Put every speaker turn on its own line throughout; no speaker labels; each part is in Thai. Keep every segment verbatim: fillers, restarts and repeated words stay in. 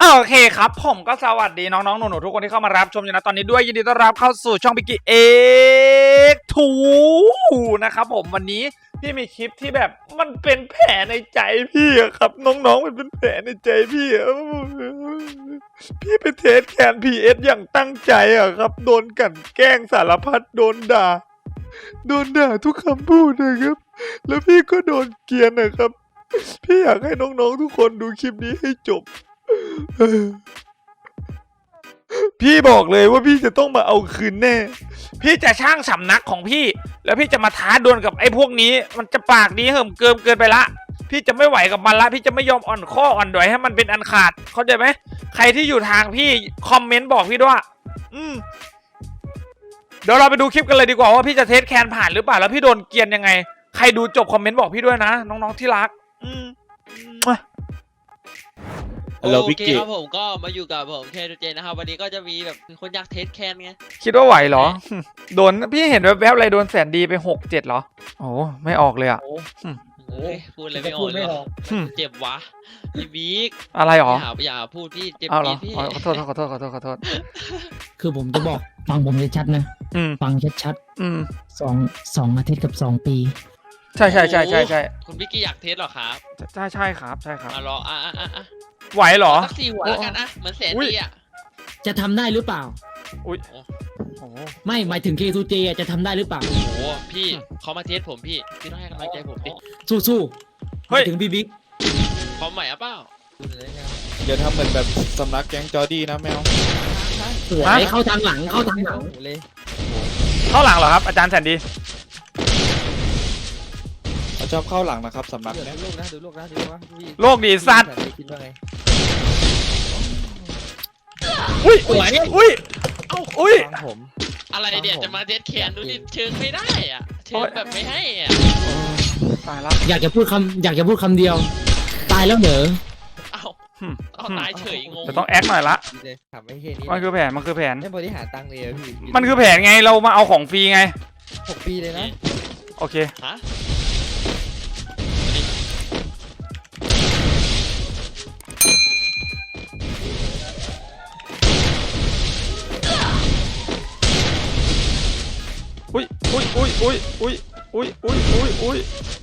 โอเคครับผมก็สวัสดีน้องๆหนูๆทุกคนที่เข้ามารับชมอยู่นะตอนนี้ด้วยยินดีต้อนรับเข้าสู่ช่องพิกกี้เอ็กซ์ทูนะครับผมวันนี้พี่มีคลิปที่แบบมันเป็นแผลในใจพี่อะครับน้องๆมันเป็นแผลในใจพี่อะพี่ไปเทสแคนพีเอสอย่างตั้งใจอะครับโดนกลั่นแกล้งสารพัดโดนด่าโดนด่าทุกคำพูดนะครับแล้วพี่ก็โดนเกลียนนะครับพี่อยากให้น้องๆทุกคนดูคลิปนี้ให้จบพี่บอกเลยว่าพี่จะต้องมาเอาคืนแน่พี่จะช่างสำนักของพี่แล้วพี่จะมาท้าดวลกับไอ้พวกนี้มันจะปากดีเหิมเกินเกินไปละพี่จะไม่ไหวกับมันละพี่จะไม่ยอมอ่อนข้ออ่อนดอยให้มันเป็นอันขาดเข้าใจไหมใครที่อยู่ทางพี่คอมเมนต์บอกพี่ด้วยอืมเดี๋ยวเราไปดูคลิปกันเลยดีกว่าว่าพี่จะเทสแคนผ่านหรือเปล่าแล้วพี่โดนเกรียนยังไงใครดูจบคอมเมนต์บอกพี่ด้วยนะน้องๆที่รักอืม
โอเคครับผมก็มาอยู่กับผมแคนเจนนะครับวันนี้ก็จะมีแบบคนอยากเทสแคนไง
คิดว่าไหวเหรอโดนพี่เห็นแวบๆอะไรโดนแสนดีไปหกเจ็ดเหรอโอ้ไม่ออกเลยอ่ะ
โอ้ยพูดอะไรไม่ออกเลยเจ็บวะพี่บิ๊ก
อะไรหรอ
อย่าอย่าพูดพี่เจ็บพี่
ขอโทษขอโทษขอโทษขอโทษ
คือผมจะบอกฟังผมชัดๆนะฟังชัดๆสองสองอาทิตย์กับสองปี
ใช่ใช่ใช่ใช่ใช่
คุณบิ๊กกี้อยากเทสหรอครับ
ใช่ใช่ครับใช่ครับ
มารออ่ะอ่ะอ่ะ
ไหวเหรอ
สักสี่หัวแล้วกันอะเหมือนแสนดีอะ
จะทำได้หรือเปล่า
อุ้ย
ไม่หมายถึง เค ทู เจ จะทำได้หรือเปล่า
โอ้โหพี่เขามาเทสผมพี่พี่ต้องให้กำลังใจผมดิ
สู้ๆเฮ้ยถึงพี่บิ๊ก
พร้อมใหม่อะเปล่า
อย่าทำเหมือนแบบสำนักแก๊งจอร์ดี้นะแมว
สวยเข้าทางหลังเข้าทางหลัง
เลยเข้าหลังเหรอครับอาจารย์แสนดี
ชอบเข้าหลังนะครับสำนัก
เนี่ยดูโลกนะดูโลกนะดูโลกนะ
โลกดีสัตว์
คิดว่าไง
อุ้ยอุ้ยอุ้ยเอ้าอุ้ย
ผม
อะไรเดี๋ยวจะมาเทสแคนดูดิเชิงไม่ได้อ่ะเชิงแบบไม่ให้อ่ะ
ตายแล้ว
อยากจะพูดคำอยากจะพูดคำเดียวตายแล้วเหรอ
เอ้าเอาตายเฉยงง
จะต้องแอคหน่อยละมันคือแผนมันคือแผน
ไม่บริหารตังค์เลยพี่
มันคือแผนไงเรามาเอาของฟรีไง
หกปีเลยนะ
โอเค
ฮะ
อุ้ยอุ้ยอุ้ยอุ้ยอุ้ยอุ้ยอุ้ยอุ้ยอุ้ย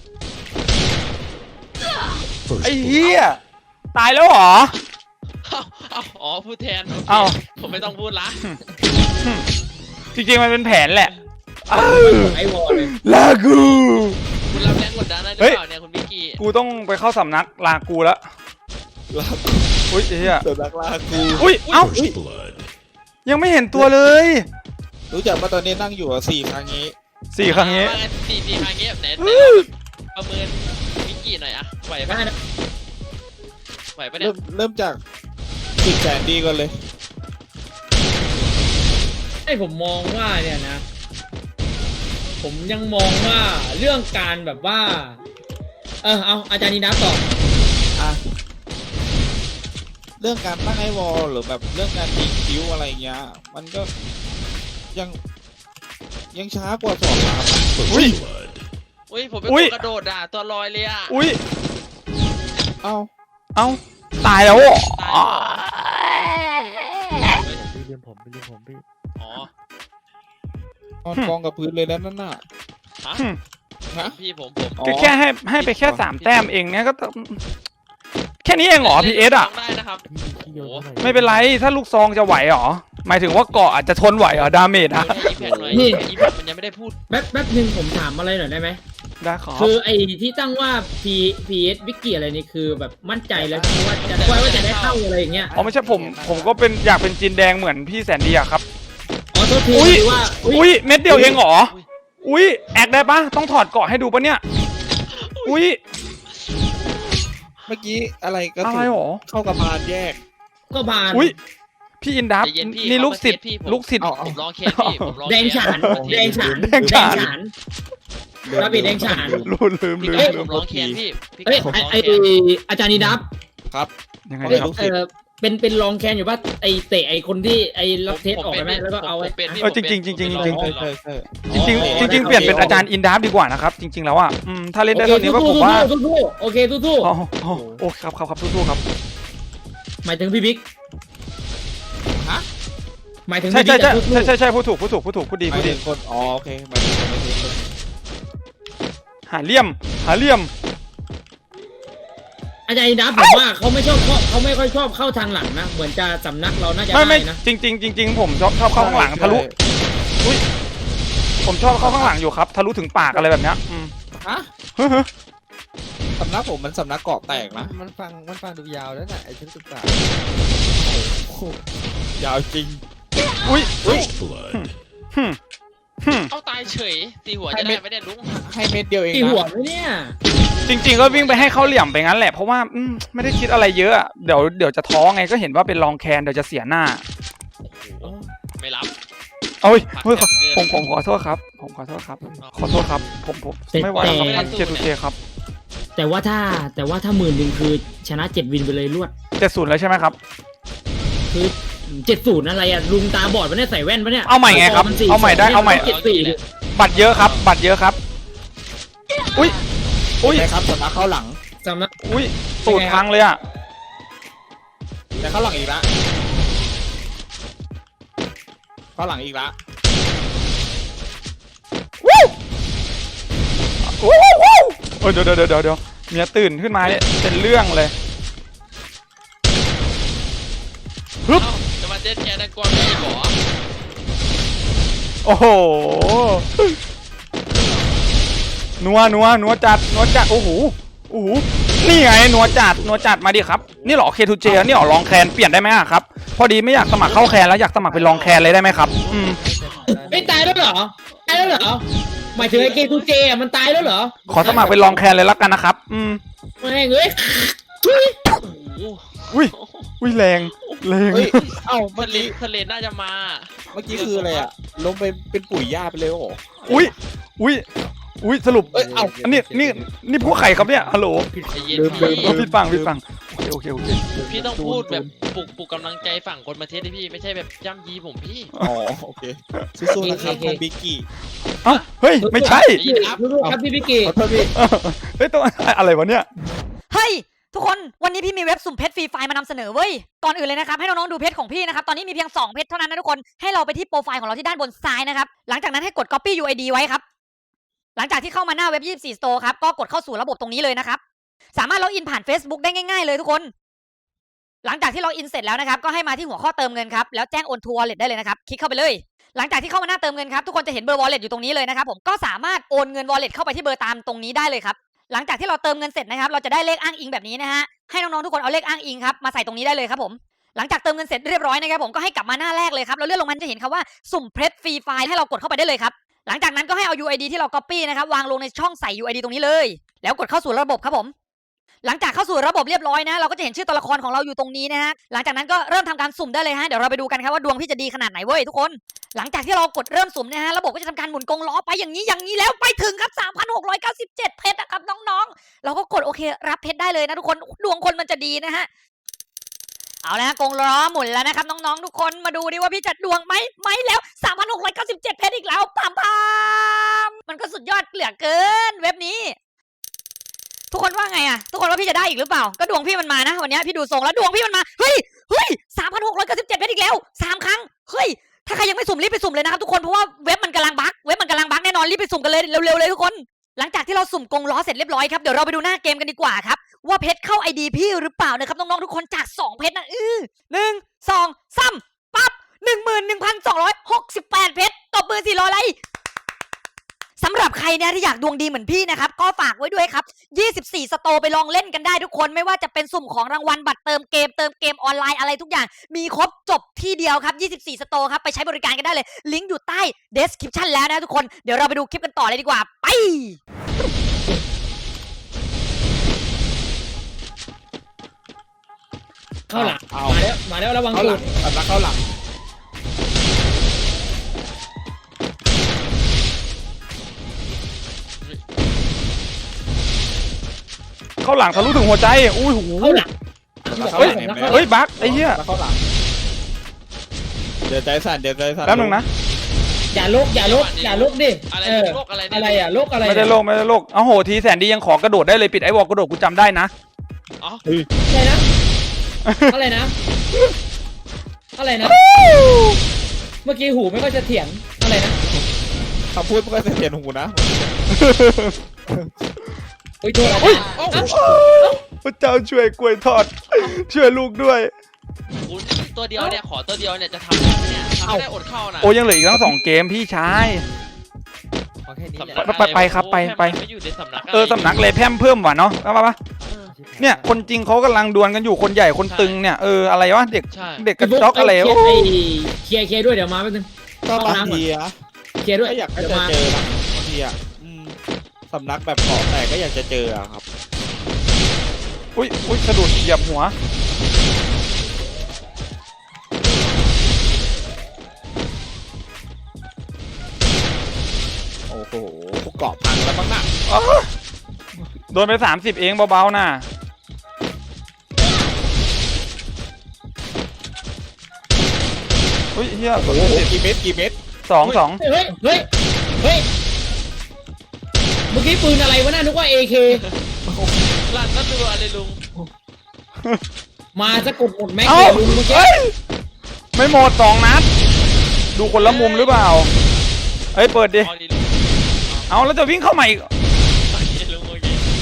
ไอ้เหี้ยตายแล้วเหรอ
อ๋อพูดแทน
เอา
ผมไม่ต้องพูดละ
จริงๆมันเป็นแผนแหละ
ไอ้วอลเลย
ลากู
คุณรับแรงกดดันได้หรือเปล่าเนี่ยคุณบิ๊กกี้
กูต้องไปเข้าสำนักลากูแล้วอุ้ยเหี้ย
สำนักลากู
อุ้ยเอ้ายังไม่เห็นตัวเลย
รู้จักว่าตอนนี้นั่งอยู่สี่ครั้งนี้
สี่ครั้งนี้
สี่สี่ครั้งนี้ไหนประเมินมิกกี้หน่อยอะไหวปะไหวปะเนี่ย
เริ่มจากสิบแสนดีก่อนเลย
ไอ้ผมมองว่าเนี่ยนะผมยังมองว่าเรื่องการแบบว่าเออเอาอาจารย์นินับต่อ
อ่ะเรื่องการตั้งไอวอลหรือแบบเรื่องการยิงคิ้วอะไรเงี้ยมันก็ยังยังช้ากว่าสอบครับ
อุ้ย
อุ้ยผมเป็นตัวกระโดดอ่ะตัวลอยเลยอ่ะ
อุ้ย
เอ้า
เอ้าตายแล้วอ่ะ
พี่เลี้ยงผมพี่เลี้ยงผมพี่
อ๋
อนอนกองกับพื้นเลยแล้วนั่นน่ะ
ฮะพี่ผมผม
แค่ให้ให้ไปแค่สามแต้มเองเนี้ยก็แค่นี้เองเหรอพีเอสอ่ะ
ได้นะครับ
ไม่เป็นไรถ้าลูกซองจะไหวหรอหมายถึงว่าเกาะอาจจะทนไหวเหรอดาเมจอะ
นี่อีแพคมันยังไม่ได้พูด
แป๊บแป๊บนึงผมถามอะไรหน่อยได้ไหม
ได้ครับ
คือไอ้ที่ตั้งว่า P พี เอส วิกกี้อะไรนี่คือแบบมั่นใจแล้วว่าจะว่าจะได้เข้าอะไรอย่างเงี้ย
อ๋อไม่ใช่ผมผมก็เป็นอยากเป็นจีนแดงเหมือนพี่แสนดีอะครับ
อ๋อโทษทีว่า
อุ้ยเม็ดเดียวเองเหรออุ้ยแอกได้ปะต้องถอดเกาะให้ดูปะเนี่ยอุ้ย
เมื่อกี้อะไรก็
อะไรหรอ
เข้ากระบาลแยก
ก็บาน
อุ้ยพี่อินดับนี่ลูกศิษย์ลูกศิษย์
ผมลองเคสพี่ผมลอง
แดงฉานแดงฉาน
แดงฉาน
ระเบิดแดงฉาน
ลืมลืมลืม
ผมลองเคสพี่
เอ้ยไออาจารย์นิดับ
ครับ
ยังไงครับ
เป็นเป็นรองแคนอยู่ว่าไอเตะไอคนที่ไอรับเทสออกไปไหมแล้วก็เอา
เออจริงจริงจริงจริงจริงจริงจริงจริงจริงเปลี่ยนเป็นอาจารย์อินดับดีกว่านะครับจริงๆแล้วอ่ะถ้าเล่นได้เท่านี้ก็ผมว่า
สู้ๆโอเคสู้ๆ
โอ้ครับครับครับสู้ๆครับ
หมายถึงพี่บิ๊ก
ฮะ
หมายถึง
ใช่
พี่
ใช่
บิ๊ก
ใช่
กับลูก
ใช่ใช่ใช่พูดถูกพูดถูกพูดถูกพูดดี
หมา
พู
ย
ดดี
ถึงคนอ๋อโอเคหมายถึงคนไม่ใช่คน
หาเหลี่ยมหาเหลี่ยม
อาจารย์ดับผมว่าเขาไม่ชอบเขาเขาไม่ค่อยชอบเข้าทางหลังนะเหมือนจะสำนักเราน่าจะ
ไม่ไม่
ได้นะ
จริงจริงจริงๆผมชอบชอบเข้าข้างหลังทะลุอุ้ยผมชอบเข้าข้างหลังอยู่ครับทะลุถึงปากอะไรแบบเนี้ยอืม
ฮะ
เฮ้ย
สำนักผมมันสำนักเกาะแตกนะ
มันฟังมันฟังดูยาวแล้วน่ะไอ้ชุดศึกษาย
าวจริง
อุ้ยอุ้ยหึ่มหึ่ม
เอาตายเฉยตีหัวจะได้ไม่ได้ลุง
ให้เม็ดเดียวเอง
ตี
นะ
หัวไหมเนี่ย
จริง ๆ ก็วิ่งไปให้เขาเหลี่ยมไปงั้นแหละเพราะว่าอืมไม่ได้คิดอะไรเยอะอะเดี๋ยวเดี๋ยวจะท้อไงก็เห็นว่าเป็นรองแคนเดี๋ยวจะเสียหน้า
ไม่รับ
เอ้ยเฮ้ย
ผัก
ผม
เกิน
ผมขอโทษครับ ผมขอโทษครับ ขอโทษครับ ผมผมไม่ไหวครับท่านเจตุเจครับ
แต่ว่าถ้าแต่ว่าถ้าหมื่นหนึ่งคือชนะเจ็ดวินไปเลยรวด
เจ็ดศูนย์แล้วใช่ไหมครับ
คือเจ็ดศูนย์อะไรอ่ะลุงตาบอดปะเนี่ยใส่แว่นปะเนี่ย
เอาใหม่ไงครับ
สี่
เอาใหม่ได้เอาใหม่
เจ็ดสี่ดิ
บัตรเยอะครับ บัตรเยอะครับ อุ้ยอุ้ย
ใช่ครับสำนักเข้าหลัง
สำนัก
อุ้ยตูดพังเลยอ่ะ
แต่เข้าหลังอีกละเข้าหลังอีกละ
วู้วู้วู้วู้เออเดี๋ยวเดี๋ยวเดี๋ยวเดี๋ยวเมียตื่นขึ้นมาเนี่ยเป็นเรื่องเลย ฮึบ
เอ้าจะมาเจ็ดแกนักกวนไม่หรอ
โอ้โหนัวนัวนัวจัดนัวจัดโอ้โหโอ้โหนี่ไงนัวจัดนัวจัดมาดิครับนี่เหรอเคทูเจนี่เหรอลองแคนเปลี่ยนได้ไหมอะครับพอดีไม่อยากสมัครเข้าแคนแล้วอยากสมัครเป็นลองแคนเลยได้ไหมครับอืม
ไม่ตายแล้วเหรอตายแล้วเหรอหมายถึงไอ้เกทูเจอ่ะมันตายแล้วเหรอ
ขอสมัครเป็นลองแคนเลยแล้วกันนะครับอืม
ไม่งเอ้ย
อุ้ยอุ้ยแรงแรง
เฮ้ยเอ้า
ทะ
เมื่อ
เล
กี้
ทะเลน่าจะมา
เมื่อกี้คืออะไรอะลงไปเป็นปุ๋ยหญ้าไปเลยโอ้โห
อุ้ยอุ้ยอุ้ยสรุป
เอ้ยเอ้า
อันนี้นี่นี่พวกใครครับเนี่ยฮัลโหล
ใจเย็น
ลืมลืม
เออ
พี่
พี่ฟังพี่ฟังโอเคโอเคโอเค
พี่ต้องพูดแบบปลุกปลุกกำลังใจฝั่งคนมาเทสให้พี่ไม่ใช่แบบย่ำยีผมพี่
อ๋อโอเคสู้ๆนะครับท่านบิ๊กกี้
เอ้าเฮ้ยไม่ใช่
ได้ยินครับ
ลูกๆครับพี่พิกกี้
ขอโทษพี่
เออเฮ้ยตัวอะไรวะเนี่ย
เฮ้ยทุกคนวันนี้พี่มีเว็บสุ่มเพชรฟรีไฟล์มานำเสนอเว้ยก่อนอื่นเลยนะครับให้น้องๆดูเพชรของพี่นะครับตอนนี้มีเพียงสองเพชรเท่านั้นนะทุกคนให้เราไปที่โปรไฟล์ของเราที่ด้านบนซ้ายนะครับหลังจากนั้นให้กด copy ยู ไอ ดี ไว้ครับหลังจากที่เข้ามาหน้าเว็บยี่สิบสี่ Store ครับก็กดเข้าสู่ระบบตรงนี้เลยนะครับสามารถล็อกอินผ่าน Facebook ได้ง่ายๆเลยทุกคนหลังจากที่ล็อกอินเสร็จแล้วนะครับก็ให้มาที่หัวข้อเติมเงินครับแล้วแจ้งโอนทัวร์ wallet ได้เลยนะครับคลิกเข้าไปเลยหลังจากที่เข้ามาหน้าเติมเงินครับทุกคนจะเห็นเบอร์ wallet อยู่ตรงนี้เลยนะครับผมก็สามารถโอนเงิน wallet เข้าไปที่เบอร์ตามตรงนี้ได้เลยครับหลังจากที่เราเติมเงินเสร็จนะครับเราจะได้เลขอ้างอิงแบบนี้นะฮะให้น้องๆทุกคนเอาเลขอ้างอิงครับมาใส่ตรงนี้ได้เลยครับผมหลังจากเติมเงินเสร็จเรียบร้อยนะครับผมก็ให้กลับมาหน้าแรกเลยครับแล้วเลื่อนลงมาจะเห็นคำว่าสุ่มเพชรฟรีไฟล์ให้เรากดเข้าไปได้เลยครับหลังจากนั้นก็ให้เอา ยู ไอ ดี ที่เรา copy นะครับวางลงในช่องใส่ ยู ไอ ดี ตรงนี้เลยแล้วกดเข้าสู่ระบบครับผมหลังจากเข้าสู่ระบบเรียบร้อยนะเราก็จะเห็นชื่อตัวละครของเราอยู่ตรงนี้นะฮะหลังจากนั้นก็เริ่มทำการสุ่มได้เลยฮะเดี๋ยวเราไปดูกันครับว่าดวงพี่จะดีขนาดไหนเว้ยทุกคนหลังจากที่เรากดเริ่มสุ่มนะฮะระบบก็จะทำการหมุนกงล้อไปอย่างนี้อย่างนี้แล้วไปถึงครับ สามพันหกร้อยเก้าสิบเจ็ด เพชรนะครับน้องๆเราก็กดโอเครับเพชรได้เลยนะทุกคนดวงคนมันจะดีนะฮะเอาละกงล้อหมุนแล้วนะครับน้องๆทุกคนมาดูดิว่าพี่จะดวงไหมไหมแล้ว สามพันหกร้อยเก้าสิบเจ็ด เพชรอีกแล้วปามปามมันก็สุดยอดเหลือเกินเว็บนี้ทุกคนว่าไงอะทุกคนว่าพี่จะได้อีกหรือเปล่าก็ดวงพี่มันมานะวันนี้พี่ดูทรงแล้วดวงพี่มันมาเฮ้ยเฮ้ย สามพันหกร้อยเก้าสิบเจ็ด เพชรอีกแล้วสามครั้งเฮ้ยถ้าใครยังไม่สุ่มรีบไปสุ่มเลยนะครับทุกคนเพราะว่าเว็บมันกำลังบั๊กเว็บมันกำลังบั๊กแน่นอนรีบไปสุ่มกันเลยเร็วๆเลยทุกคนหลังจากที่เราสุ่มกงล้อเสร็จเรียบร้อยครับเดี๋ยวเราไปดูหน้าเกมกันดีกว่าครับว่าเพชรเข้า ไอ ดี พี่หรือเปล่านะครับน้องๆทุกคนจากสองเพชรนะอื้อหนึ่งสองสามปั๊บหนึ่งหมื่นหนึ่งพันสองร้อยหกสิบแปดเพชรตบมือสี่ร้อยอะไรสำหรับใครเนี่ยที่อยากดวงดีเหมือนพี่นะครับก็ฝากไว้ด้วยครับยี่สิบสี่สโตร์ไปลองเล่นกันได้ทุกคนไม่ว่าจะเป็นสุ่มของรางวัลบัตรเติมเกมเติมเกมออนไลน์อะไรทุกอย่างมีครบจบที่เดียวครับยี่สิบสี่สโตร์ครับไปใช้บริการกันได้เลยลิงก์อยู่ใต้ description แล้วนะทุกคนเดี๋ยวเราไปดูคลิปกันต่อเลยดีกว่าไป
เข้าหลัง
เอา
มาแล้วมาแล้วระวัง
เข้า
ตู
หลั
ด
งสำนักเข้าหลัง
เข้าหลังทะลุถึงหัวใจอุ้ยหู
เข้าหลัง
สำนักเข้า
เฮ้
ห
ย
ลังเห็นไหม
เฮ้ยบั๊กไอ้เหี้ย
สำนักเข้าหลังเดี๋ยวใจสั่นเดี๋ยวใจสั่น
แป๊บนึงนะ
อย่าลุกอย่าลุกอย่าลุกดิ
อะไร
เออ
โรคอะไรเนี่ย
อะไรอ่ะโรคอะไร
ไม่ได้โลกไม่ได้โลกเอาโหทีแสนดียังขอกระโดดได้เลยปิดไอ้วอลกระโดดกูจำได้นะ
อ๋อ
ใช่นะอะไรนะ อะไรนะ เมื่อกี้หูไม่ค่อยจะเถียงอะไรนะ
คำพูดมันก็จะเปลี่ยนหูนะ
โอ้ยโทษอา
อุ๊ย
จารย์
พระเจ้าช่วยกล้วยทอด ช่วยลูกด้วย
คุณตัวเดียวเนี่ยขอตัวเดียวเนี่ยจะทำได้ไหมเนี่ยทำไม่ได้อดเข้านะ
โอ้ยังเหลืออีกทั้งสองเกมพี่ชาย
ขอแค่นี้แหละ
สำนัก
ไปไปครับไปไป
ไม่อยู่ในสำนักะไร
เออสำนักเลยแพร่มเพิ่มว่ะเนาะเอามาปะเนี่ยคนจริงเขากำลังดวลกันอยู่คนใหญ่คนตึงเนี่ยเอออะไรวะเด็ก
ใช่
เด็กกระจอกอะไร
เคลี
โอ้
ยร์ไอ้เคลียร์เคลียร์ด้วยเดี๋ยวมาแป๊บนึง
ก็บางทีอะ
เคลียร์ด้วย
ก็อยาก
เดี๋ยว
จะ
มา
เจอนะบางทีอะอืมสำนักแบบเกาะแตกก็อยากจะเจออะครับ
อุ้ยอุ้ยสะดุดเหยียบหัว
โอ้โหเกาะพังแล้วบ้างนะ
อ้าวโดนไปสามสิบเองเบาๆน่ะอุ้ยเฮีย
โอ้โหกี่เม็ดกี่เม็ด
สองสอง
เฮ้ยเฮ้ยเฮ้ยเมื่อกี้ปืนอะไรวะน่านึกว่า เอ เค
หลังก็ดูอะไรลุง
มาจะกดหมดแม็กเลยลุงเมื่อกี้
เอ้ยไม่หมดสองนัด ดูคนละมุมหรือเปล่าเอ้ยเปิดดิ
เอาดิลุง
เอาแล้วจะวิ่งเข้ามาอีก
โอเคลุงโอเค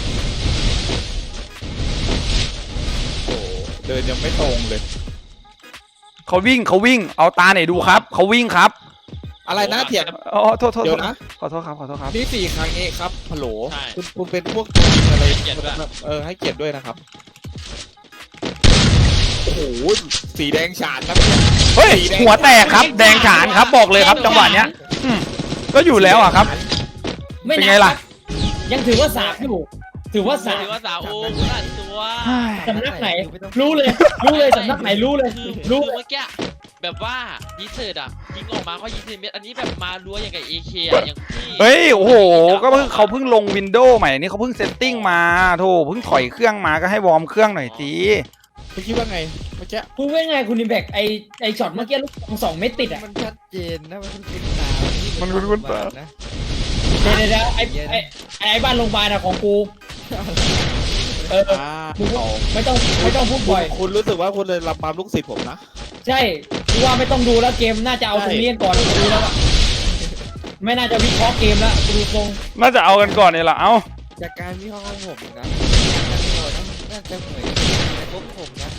โอ้โหเดินยังไม่ตรงเลย
เขาวิ่งเขาวิ่งเอาตาไหนดูครับเขาวิ่งครับ
อะไรนะเถียง
อ๋อโทษโทษ
เดี๋
โท
ยว
ษ
นะ
ขอโทษครับขอโทษครับ
นี่สี่ครั้งเองครับฮัลโหล
ใช่
คุณคุณเป็นพวกอะไรเออให้เกียรติด้วยนะครับโอ้โหสีแดงฉานนะเนี่ย
เฮ้ยหัวแตกครับ แดงฉานครับบอกเลยครับจังหวะเนี้ยอืมก็อยู่แล้วอ่ะครับ
ไม่
เป็น
นั
ไง
บ
ล่ะ
ยังถือว่าสามอยู่ถือว่าสาม
ถือว่าสาวโอ้คุณอัดตัว
สำนักไหน รู้เลย รู้เลยสำนักไหนรู้เลย
คือ
รู้
คือ
เลย
เมื่อกี้แบบว่ายิงเสิร์ตอ่ะยิงออกมาก็ยิงสิบเมตรอันนี้แบบมารั้วอย่างกับเอเคอ่ะอย่างที่
เฮ้ยโอ้โหก็เพิ่งเขาเพิ่งลงวินโดว์ใหม่นี่เขาเพิ่งเซตติ้งมาโธ่เพิ่งถอยเครื่องมาก็ให้วอร์มเครื่องหน่อยสิ
คุณคิดว่าไงเมื่อกี้
พูดว่าไงคุณนิมแบกไอไอช็อตเมื่อกี้ลูกซองสองเม็ดติดอ่ะ
มันชัดเจนนะมันคุ้นตา
มันคุ้นๆตา
นะ
เดี๋ยวเดี๋ยวเดี๋ยวไอไอไอไอ้บ้านโรงพยาบาลอะของกูเออ
อ่า
มึงไม่ต้องไม่ต้องพูดบ่อย
คุณรู้สึกว่าคุณเลยรับความลูกศิษย์ผมนะ
ใช่กูว่าไม่ต้องดูแล้วเกมน่าจะเอาตรงนี้กันก่อนกูดูแล้วอะไม่น่าจะวิเคราะห์เกมแล้วกูดูทรง
น่าจะเอากันก่อนนี่แหละเอ้า
จากการวิเคราะห์ของผมนะน่าจะเหมือนในพวกผมนะ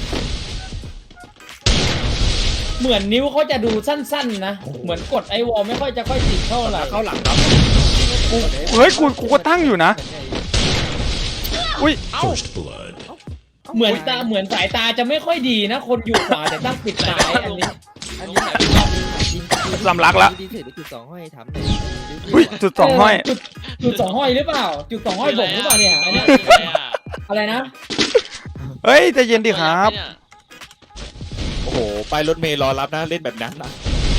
เหมือนนิ้วเขาจะดูสั้นๆนะเหมือนกดไอวอลไม่ค่อยจะค่อยติดเท่าไหร่
เข้าหลังครับ
เฮ้ยกูกูก็ตั้งอยู่นะอุ้ย
เอ้า
เหมือนตาเหมือนสายตาจะไม่ค่อยดีนะ คนอยู่ขวาแต่ตั้งปิดซ้ายอันนี้
อันนี้จริง
สำลักละ
ดีเสร็จจุดสองห้อยทำหน่อย
อุ้ยจุดสองห้อย
จุดจุดสองห้อยหรือเปล่า จุดสองห้อยบ่งหรือเปล่าเนี่ยอันเนี้ยอะไรนะ
เฮ้ยใจเย็นดิครับ
โอ้โหไปรถเมล์รอรับนะเล่นแบบนั้นนะ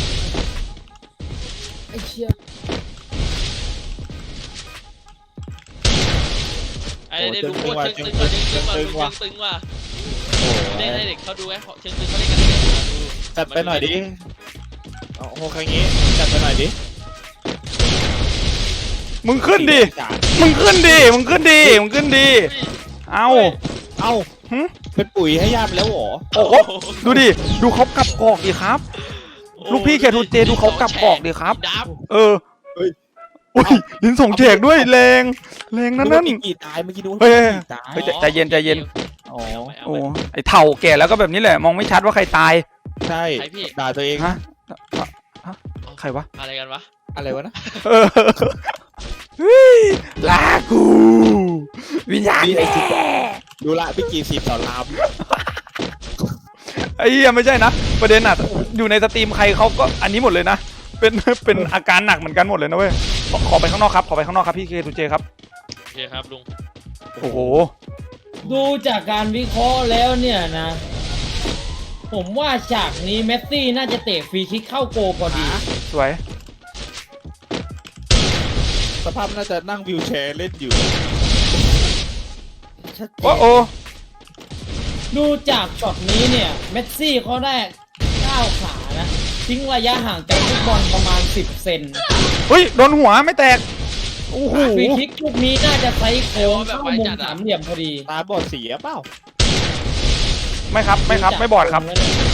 ไอ้เชี่ย
ไอ้เด็กดูโคตรเชิงตึงว่ะเชิงตึงว่ะเชิงตึงว่ะ
โอ้โห
ได้ให้เด็กเขาดูไอ้เชิงตึงเขาเล่นกันเลยดู
จัดไปหน่อยดิเอาโอ้โหครั้งนี้จัดไปหน่อยดิ
มึงขึ้นดิมึงขึ้นดิมึงขึ้นดิมึงขึ้นดิเอา
เอ้า
หึ
เป็นปุ๋ยให้ย่าไปแล้วเหรอ
โอ้โหดูดิดูเขากลับกอกดิครับ ลูกพี่แคทูเจดูเขากลับกอกดิครับ
ดับ
เอออุ้ยลิ้นส่งเฉกด้วยแรงแรงนั่นนั่น
นึกว่าปีกี่ตายเมื่อกี้ดู
เฮ้ย
ตาย
เฮ้ย ใจเย็นใจเย็น
อ๋อ
โอ้ไอเถ่าแก่แล้วก็แบบนี้แหละมองไม่ชัดว่าใครตาย
ใช่ด่าตัวเอง
ฮะฮะใครวะ
อะไรกันวะ
อะไรวะนะ
เออเฮ้ยลากูวิญญาณ
นี่ไอ้
แม่
จิ๊กดูละพี่กีสีต่อลาม
ไอ้เหี้ยไม่ใช่นะประเด็นอ่ะอยู่ในสตรีมใครเขาก็อันนี้หมดเลยนะเป็นเป็นอาการหนักเหมือนกันหมดเลยนะเว้ยขอขอไปข้างนอกครับขอไปข้างนอกครับพี่เคทูเจครับ
โอเคครับลุง
โอ้โห
ดูจากการวิเคราะห์แล้วเนี่ยนะ ผมว่าฉากนี้เมสซี่น่าจะเตะฟรีคิกเข้าโกลพอดี
สวย
สภาพน่าจะนั่งวิวแชร์เล่นอยู่
ชัดเจ
โอ้โอ
น
ดูจากช็อตนี้เนี่ยเมสซี่เขาได้ก้าวขานะทิ้งระยะห่างจากฟุตบอลประมาณสิบเซน
เฮ้ยโดนหัวไม่แตกโอ้โห
ฟรีคิกลูกนี้น่าจะไซส์โค้งเข้ามุมสามเหลี่ยมพอดี
ตาบอดเสียเปล่า
ไม่ครับไม่ครับไม่บอดครับ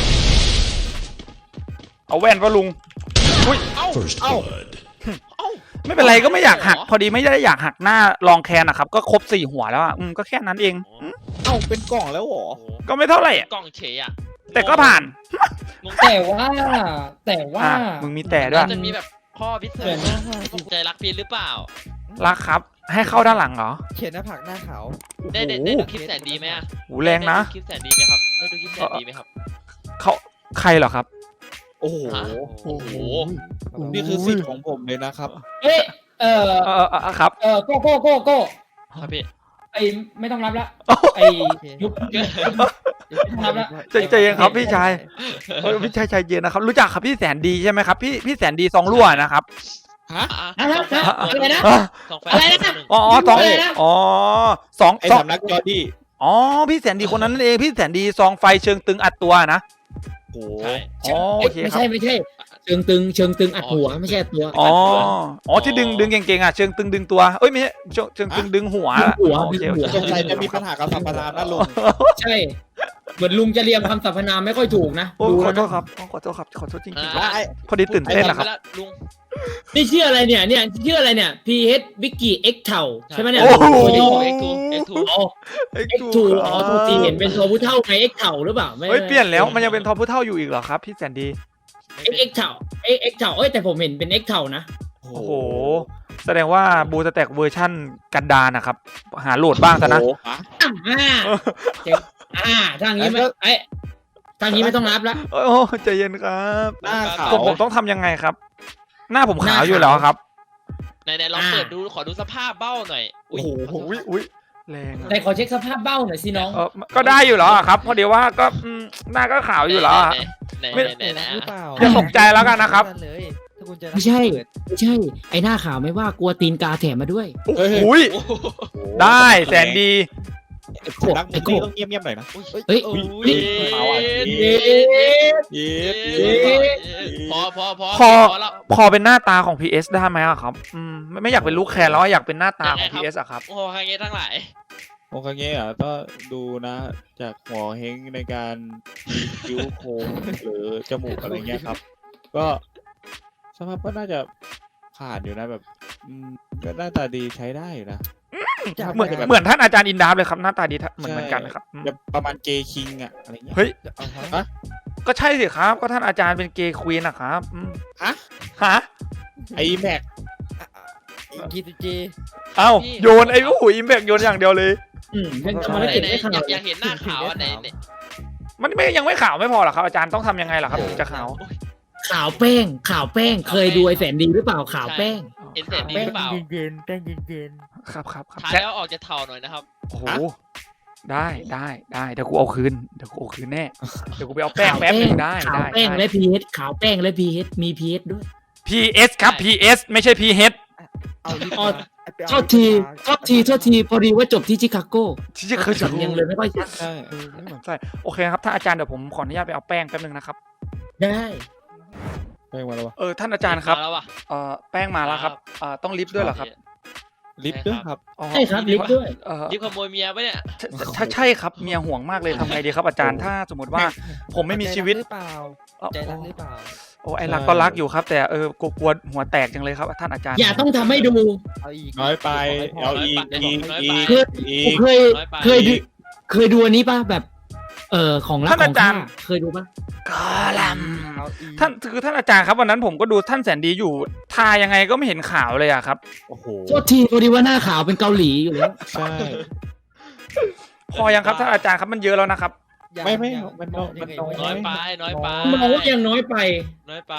เอาแว่นปะลุงอุ้ย
เอ้า
เอ้า
เอ้า
ไม่เป็นไรก็ไม่อยากหัก พอดีไม่ได้อยากหักหน้าลองแคนนะครับก็ครบสี่หัวแล้วอ่ะอืมก็แค่นั้นเองอืม
เอ้าเป็นกล่องแล้วเหรอ
โอ้โห
ก็ไม่เท่าไหร่อะ
กล่องเฉยอ่ะ
แต่ก็ผ่าน
งง
แต่ว่าแต่ว่า
อ่ะมึงมีแต่ด้วย
น่าจะมีแบบข้อพิเศ
เกิ
ษ
ดนะ
ใจรักพีหรือเปล่า
รักครับ ให้เข้าด้านหลังเหรอ
เขียนหน้าผากหน้าขาว
ได้ได้ได้ดูคลิปแสนดีไหมอ่ะ
โหแรงนะ
ได้ดูคลิปแสนดีไหมครับได้ดูคลิปแสนดีไหมครับ
เขาใครเหรอครับ
โอ้โห
ฮะโอ้โห
นี่คือสิทธิ์ของผมเลยนะครับ
เอ้ยเออ
เออเออเออครับ
เออโก้โก้โก้โก้
ครับพี่
ไอไม่ต้องรับละไอยุบยุบ รับละ
ใจใจเย็นครับพี่ชายเฮ้ยพี่ชายใจเย็นนะครับ รู้จักครับพี่แสนดีใช่ไหมครับพี่พี่แสนดีซองรั่วนะครับ
ฮะ
อ่ะ
อะไรนะอะไรนะ
อ่ะ
สองแฟน
อะไรนะ
อ๋ออ๋อสอง
อะไรนะ
อ๋อสอง
ไอ้
สอง
สำนักจอดี้
อ๋อพี่แสนดีคนนั้นนั่นเองพี่แสนดีซองไฟเชิงตึงอัดตัวนะ
โอ้โห
ใช่
อ๋อโอเค
ไม่
ครั
ใช่
บ
ไม่ใช่เชิงตึงเชิงตึงอัดหัวไม่ใช่อัดตัว
อ๋ออ๋อที่ดึงดึงเก่งๆอ่ะเชิงตึงดึงตัวเอ้ยไม่ใช่เชิงเชิงตึงดึงหัว
ดึงหัว
โอเค
ดึงหัว
โอเค
สงสัยจะมีปัญหากับสัมปทานนะลุง
ใช่เหมือนลุงจะเรียงคำสรรพนามไม่ค่อยถูกนะ
โอ้
ดู
ขอ
แล้ว
โทษ
นะครับ
ขอโทษครับขอโทษจริง
อ่า
ๆพอดีตื่นเต้นนะครับ
ไอ้ละลุง
นี่ชื่ออะไรเนี่ยเนี่ยชื่ออะไรเนี่ย พี เอช วิกกี้ X เท่าใช่ไหมเนี่ย
โอ้โห
ตัวย่อ
เอ็กซ์ทูเอ็กซ์ทู
อ๋อ X ทูอ๋อทูทีเห็นเป็นตัวผู้เท่าไง X เท่าหรือเปล่าไม่
เฮ้ยเปลี่ยนแล้วมันยังเป็นทอผู้เท่าอยู่อีกเหรอครับพี่แสนดี
X X เท่า X X เท่าเอ้ยแต่ผมเห็นเป็น X เท่านะ
โอ้
โอ้โห แสดงว่าบูสแต็กเวอร์ชั่นกันดารนะครับ หาโหลดบ้างซะนะ
โอ้โหฮะ
อ่าเจ๋งอ่าทางนี้ไม่ไอ้ยทางนี้ไม่ต้องรับละ
โอ้ยใจเย็นครับ
หน้าขาว
ผมผมต้องทำยังไงครับ หน้าผมขาว
หน้าขาว
อยู่แล้วครับ
ไหนไหนลอง
อ่า
เปิดดูขอดูสภาพเบ้าหน่อย
โอ้โหอุ้ยอุ้ยแรงอะ
ไหนขอเช็คสภาพเบ้าหน่อยสิน้อง
เออก็ได้อยู่แล้วอะครับเพราะเดี๋ยวว่าก็อืมหน้าก็ขาวอยู่แล้วอะ
ไหน
ไม่
ไหนไหนไหน
หรือเปล่า
อย่าตกใจแล้วกันนะครับ
เลยถ้าคุณจะ
ไม่ใช่ ไม่ใช่ ไอ้หน้าขาวไม่ว่ากลัวตีนกาแถมมาด้วย
โอ้ย
โอ้โห
ได้แสนดี
สำนักมึงนี่ต้องเงียบๆหน่อยนะ
เฮ้ย
โอ้
นี่
ย
เอาอ่ะ
เอ๊ะ
เย็ด
เอ๊
เย็ด
ะพอพอพอ
พอ
พอแล้ว
พอเป็นหน้าตาของ พี เอส ได้ไหมอะครับอืมไม่ไม่อยากเป็นลูกแคนแล้วอะอยากเป็นหน้าตาของ พี เอส อะครับ
โอ้โหใครเงี้ยทั้งหลาย
โอเคเงี้ยอ่ะก็ดูนะ จากหัวเฮงในการมีคิ้วโค้งหรือจมูกอะไรเงี้ยครับ ก็สภาพก็น่าจะผ่านอยู่นะแบบอืมก็หน้าตาดีใช้ได้อยู่นะ
เหมือนเหมือนท่านอาจารย์อินดาฟเลยครับหน้าตาดีท่านเหมือนเหมือนกันนะครับอืม
แบบประมาณเกย์คิงอะอะไรเงี้ย
เฮ้ย
เอาฮะ
ฮะ
ก็ใช่สิครับ ก็ท่านอาจารย์เป็นเกย์ควีนนะครับอืม
ฮะ
ฮะ
ไอแม็ก
อีกทีจี
เอ้าโยนไอ้โอ้โหอิมแบกโยนอย่างเดียวเลย
อืมยัง
ไห
ทำอะไร
น
กิน
ไหน
ไม่ขนา
อยา
ด
กอยากเห็นหน้าขาวอันไหนเนี่ย
มันไม่ยังไม่ขาวไม่พอหรอครับอาจารย์ต้องทำยังไงล่ะครับถึงจะขาว
ขาวแป้ง ขาวแป้ง เคยดูไอ้แสนดีหรือเปล่า ขาวแป้ง
เห็นแสนดีหรือเปล่า
เย็นๆแป้งเย็น
ครับครับครับ
ทา
แค่
แล้วออกจะเทาหน่อยนะครับ
โอ้โหได้ได้ได้เดี๋ยวกูเอาคืนเดี๋ยวกูเอาคืนแน่เดี๋ยวกูไปเอาแป้งแป๊บหนึงได้
ขาว
ได้
แป้ง
ได้
และพีเอสขาวแป้งและพีเอสมีพีเอสด้วย
พีเอสครับ พี เอส ไม่ใช่ พี เอช
ๆเอาลิป
อ๋อ
มาไปเอา
โทษทีโทษทีโทษทีพอดีว่าจบที่ชิคาโก
ที่จะเคยจะ
สำเนียงเลยไม่ค่อยชัด
ใช่
เออไม่เหมือนใช่โอเคครับท่านอาจารย์เดี๋ยวผมขออนุญาตไปเอาแป้งแป๊บหนึงนะครับ
ได้
แป้งมาแล้ววะ
เออท่านอาจารย์ครับ
มาแล้วว่ะ
เอ่อแป้งมาแล้วครับเอ่อต้องลิฟต์ด้วยเหรอครับ
ลิฟต์ด้วยครับ
อ๋อ
ใช่ครับลิฟต์ด้วย
เอ่อ
รีบขโมยเมียปะเนี่ย
ถ้าใช่ครับเมียห่วงมากเลยทำไงดีครับอาจารย์ถ้าสมมติว่าผมไม่มีชีวิต
ใจรักหรือเปล่า
เอ่อ
ใจรักหรือเปล่า
โอ้ไอ้รักก็รักอยู่ครับ แต่เออกลัวกลัวหัวแตกจังเลยครับท่านอาจารย์
อย่าต้องทำให้ดู
เอาอีก
น้อยไปเอาอีกอีกอีก
คือ
อี
ผม
ก
เคย
น้อยไป
เคยดูเคยดูอันนี้ป่ะแบบ เออของรัก
ท่าน
ขอ
อาง จารย์
ข้าเคยดูป่ะ
กอลัม
เอาอีก
ท่านคือท่านอาจารย์ครับวันนั้นผมก็ดูท่านแสนดีอยู่ทายังไงก็ไม่เห็นขาวเลยอะครับ
โอ้โห
โทษทีพอดีว่าหน้าขาวเป็นเกาหลีอยู่แล้ว
ใช่
พอยังครับท่านอาจารย์ครับมันเยอะแล้วนะครับ
ยัง
ไม่ไม่
ยัง
มันน้อย
ง
มัน
ไง
น้อย
น้อยไปน้อยไป
มองว่ายังน้อยไป
น้อยไป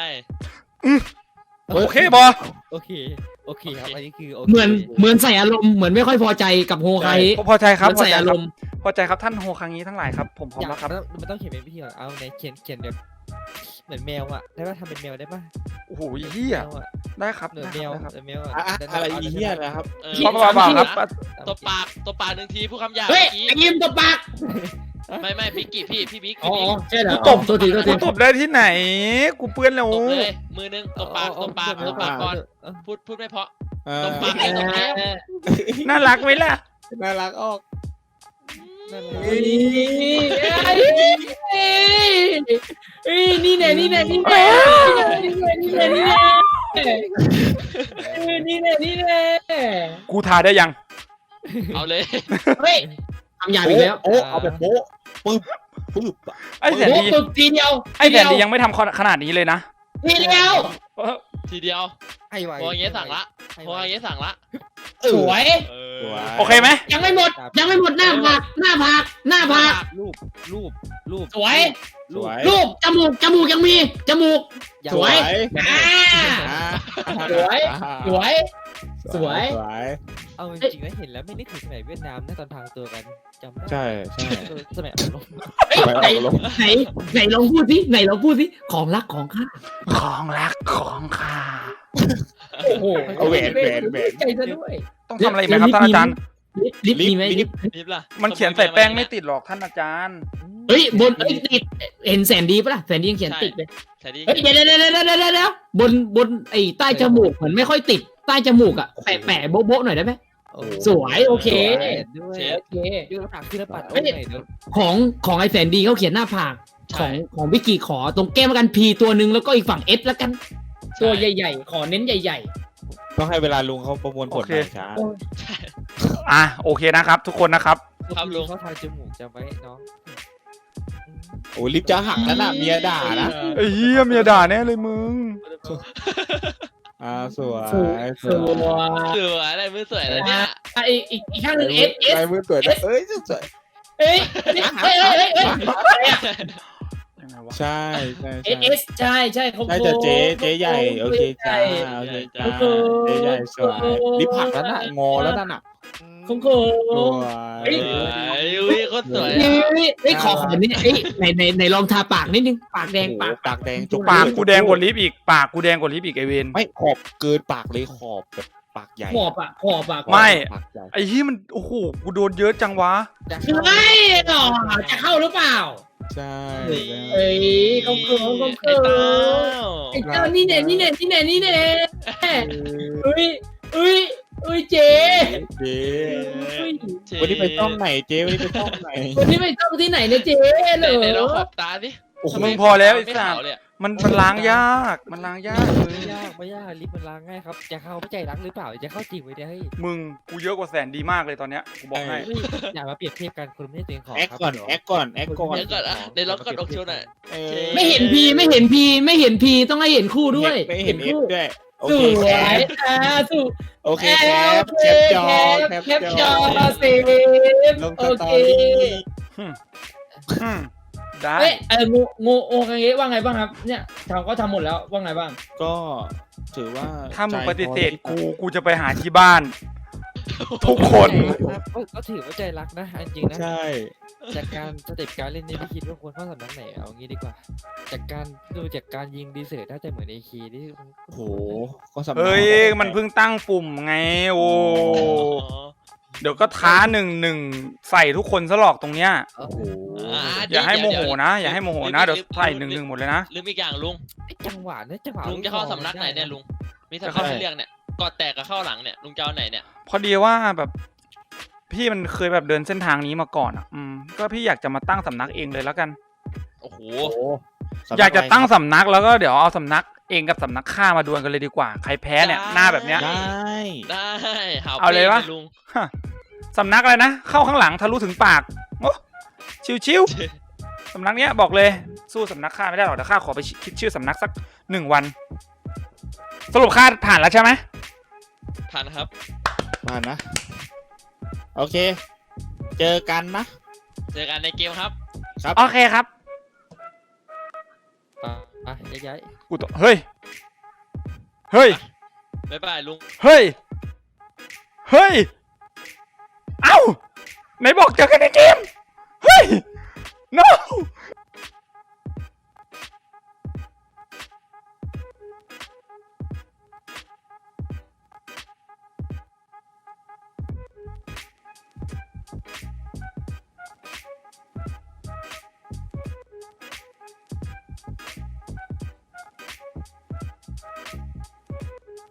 โอเคบอ
โอเคโอเคครับอันนี้คือโอเค
เหมือนเหมือนใส่อารมณ์เหมือนไม่ค่อยพอใจกับโฮไค
พอใจครับ
เหมือน
พอ
ใส่
ใจ
อา
ค
ร
รับ
มณ์
พอใจครับท่านโฮคังนี้ทั้งหลายครับผมพร้อม
อยาก
แล้วครับ
มันต้องมันต้องเขียนเป็นวิธีก่อนเอาในเขียนเขียนแบบเหมือนแมวอ่ะได้ป่ะทำเป็นแมวได้ป่ะ
โอ้โหเฮีย
แมวอะ
ได้ครับ
เหมือน
ได้
แมว
ครับ
เหมือนแมว
อะอะอะไรอีเหี้ยนะครับ
เออ
ครับบ้าๆครับ
ตัวปากตัวปากหนึ่งทีผู้คำหยาบ
เฮ้ย
เมื่อกี้
ไอ้ยิ้มตบปาก
ไม่ไม่พี่กี่พี่พี่บิ๊ก
อ๋อ
พี่บิ๊ก
ใช่เหรอ
กูตบ
โทษทีโทษที
กูตบได้ที่ไหน กูเปื้อนแล้ว
ตบเลยมือหนึงตบปากตบปากตบปากก่อน
เออ
พูดพูดไม่เพราะ
เออ
ตบปากเลยตบแก้ม
น่ารักไหมล่ะ
น่ารักออก
นั่น
เฮ้ยเฮ้ยนี่แน่นี่แน่นี่แน่นี่แน่นี่แน่นี่แน่นี่แน่นี่แน่
กูทาได้ยัง
เอาเลย
เฮ้ยทำยาอีกแล้ว
โอ้เอาแบบโป๊ะปึ๊บปึ๊บ
ไอ้แสน
โอ้
ดี
ฝึกทีเดียว
ไอ้แสนดียังไม่ทำขนาดนี้เลยนะ
ทีเดียว
เออ
ทีเดียว
ให้ไว
พออย่างเงี้ยสั่งละพออย่างเงี้ยสั่งละ
สวย
เอ
สวย
โอเคไหม
ยังไม่หมดยังไม่หมดหน้าผากหน้าผากหน้าผาก
รูปรูปรูป
สวย
สวย
รูปจมูกจมูกยังมีจมูก สวย อ่า
อ่า
สวย สวย สวย
สวย
เอาจริงๆนะเห็นแล้วไม่นึกถึงสมัยเวียดนามนะตอนทางตัวกันจำได้
ใช่ใช่
เออสมัยอารมณ์
เฮ้ยไหนไหนไหนลองพูดสิไหนลองพูดสิของรักของข้า
ของรักของข้า
โอ้โห
เอาแหวนแหวนแหวน
ใจซะด้วย
ต้องทำอะไรไหมครับท่านอาจารย์
ลิฟต์ลิฟต์มีไหมลิฟต์
รีบล่ะ
มันเขียนใส่แป้งไม่ติดหรอกท่านอาจารย์
เฮ้ยบนเอ้ยติดเห็นแสนดีปะล่ะแสนดียังเขียนติดเลย
ใช่ดิ
เฮ้ยเดี๋ยวเดี๋ยวเดี๋ยวเดี๋ยวเดี๋ยวเดี๋ยวบนบนไอ้ใต้จมูกเหมือนไม่ค่อยติดใต้จมูกอ่ะแปะแปะโบ๊ะโบ๊ะหน่อยได้ไหม
โอ้โห
สวยโอเค
ด้วย
โอเค
ยื่นผักขึ้นแล้วปัด
เฮ้
โอ้
ย
ยเดี๋ยว
ของของไอ้แสนดีเขาเขียนหน้าผากของของวิกกี้ขอตรงแก้มแล้วกันพีตัวหนึ่งแล้วก็อีกฝั่งเอสแล้วกัน ตัวใหญ่ๆ ขอเน้นใหญ่
ต้องให้เวลาลุงเขาประมวลผล
โอ
ห
เค
น่อยช้า
อ่ะโอเคนะครับ ทุกคนนะครับ
ครับลุง
เขาทาจมูกจำไว้น้อง
โอ้ลิฟต์จะหักแล้วน่ะเมียด่านะ
ไอ้เหี้ยเมียด่าแน่เลยมึง
อ่าสวย
ๆสวยส
สวย
วย
สวยอะไรมือสวยแล้วเนี่ย
อ่ะอีกอีกอีกข้างหนึ่งเอสเอส
ลายมือสวยนะเอ้ยสวย
เอ้ยเฮ้ยเฮ้ยเฮ้ยเฮ้ยอะไรอะ
ยังไงวะ
ใช่ใช่
เอ
ใช่
สเอสใช่ใช่เขา
ใช่แต่เจ๊เจ๊ใหญ่โอเคจ้า
ใหญ่
โอเคจ้า
โอ้โห
เจ๊ใหญ่สวยลิฟต์หักแล้วน่ะงอแล้วนั่นน่ะ
ของโค
สวย
สวยอุ้ยโคตรสวย
เฮ้
อะ
ยเฮ้ยขอขอนิดนึงเฮ้ยในในในลองทาปากนิดนึงปากแดงปาก
ปากแดงจุก
ปากกูแดงกว่าลิฟต์อีก ปากกูแดงกว่าลิฟต์อีกไอเวน
ไม่ขอบเกินปากเลยขอบแบบปากใหญ่
ขอบอะขอบอะ
ไม่
ปากใหญ่
ไอ้ที่มันโอ้โหกูโดนเยอะจังวะ
เฮ้ยหรอจะเข้าหรือเปล่า
ใช่
เอ้ยเขาเขินเขา
ไอ้
เขิ
เต้าน
ไอ้เจ้านี่แน่นี่แน่นี่แน่นี่แน่เอ้ยเอ้ยเอ้ยเจ๊
เจ๊
เอ้ย
วันนี้ไปช่องไหนเจ๊วันนี้ไปช่องไหน
วันนี้ไปต้องที่ไหนเนี่ยเจ๊เหร
ไหน
อ
ไหนลองขอบตาดิ
โอ้โห
มึงพอแล้วไอ้
ไม่
สั
ขา
ส
วเลยอะ
มันมันล้างยากมันล้างยากมึง
ไม่ยากไม่ยากลิฟต์มันล้างง่ายครับจะเข้าไม่ใจรักหรือเปล่าจะเข้าจริงไว้เนี่ยเฮ้ย
มึงกูเยอะกว่าแสนดีมากเลยตอนเนี้ยกูบอกให้
เฮ้ยอย่ามาเปรียบเทียบกันคุณไม่ได้ตัวเองของ
แอค
ครับ
ก่อน
เดี๋ยว
แอคก่อนแอคก่อน
เดี๋ยวก่อนอะในล็อกกดอกโชว์หน่อย
เออ
ไม่เห็นพีไม่เห็นพีไม่เห็นพีต้องให้เห็นคู่ด้วย
ไม่เห็นเอฟ
คู่
ด้วยโอ
ส
เค
วย
แคป
อ่าสุ
โอเคแคปแคปจอ
แค
แค
ป
ป
จ
จ
อ
อ
เซฟ
ลงส
โอ
ตอ
เค
รี่
อืมได้
เอ้ยเอองูงูโอคังเงะว่าไงบ้างครับเนี่ยทำก็ทำหมดแล้วว่าไงบ้าง
ก็ถือว่า
ถ้ามึง
ใจ
ปฏิเสธ
พอ
กูกูจะไปหาที่บ้าน ทุกคน
ครับก็ก็ถือว่าใจรักนะอันจริงนะ
ใช่
จากการสเต็ปการเล่นนี่พี่คิดว่าควรเข้าสำนักไหนเอางี้ดีกว่า จากการดูจากการยิงดีเซอร์น่าจะเหมือนไอคีที่
โอ้โหก็สำนัก
เฮ้ยมันเพิ่งตั้งปุ่มไงโอ้เดี๋ยวก็ท้าหนึ่งหนึ่งใส่ทุกคนซะหรอกตรงเนี้ย
โอ้
โอ้
โห
โห
อย่าให้โมโหนะ อย่าให้โมโหนะเดี๋ยวใส่หนึ่งหนึ่งหมดเลยนะ
ลืมอีกอย่างลุง
ไอ้จังหวะเนี่ยจังหวะ
ลุงจะเข้าสำนักไหนเนี่ยลุง มีสำนักให้เลือกเนี่ยกอดแตกกับเข้าหลังเนี่ยลุงจะเอาไหนเนี่ย
พอดีว่าแบบ พี่มันเคยแบบเดินเส้นทางนี้มาก่อนอ่ะ อืมก็พี่อยากจะมาตั้งสำนักเองเลยแล้วกัน
โอ้โห
โอ้โหสำนั
อยากจะตั้ง
ไรครับ
สำนักแล้วก็เดี๋ยวเอาสำนักเองกับสำนักข้ามาดวลกันเลยดีกว่าใครแพ้เนี่ยหน้าแบบเนี้ย
ได้
ได้หา
เอาเลยวะ
ป้ลุง
ฮะสำนักอะไรนะเข้าข้างหลังทะลุถึงปากโอ้ชิวๆสำนักเนี้ยบอกเลยสู้สำนักข้าไม่ได้หรอกเดี๋ยวข้าขอไปคิดชื่อสำนักสักหนึ่งวัน สรุปข้าผ่านแล้วใช่ไหม
ผ่านครับ
มานะ โอเค เจอกันนะ
เจอกันในเกมครับ
โอเคครับ
อ่ะอ่ะย้าย
กูตเฮ้ยเฮ้ย
บ๊ายบายลุง
เฮ้ย เฮ้ย เอ้าไหนบอกเจอกันในเกม เฮ้ย no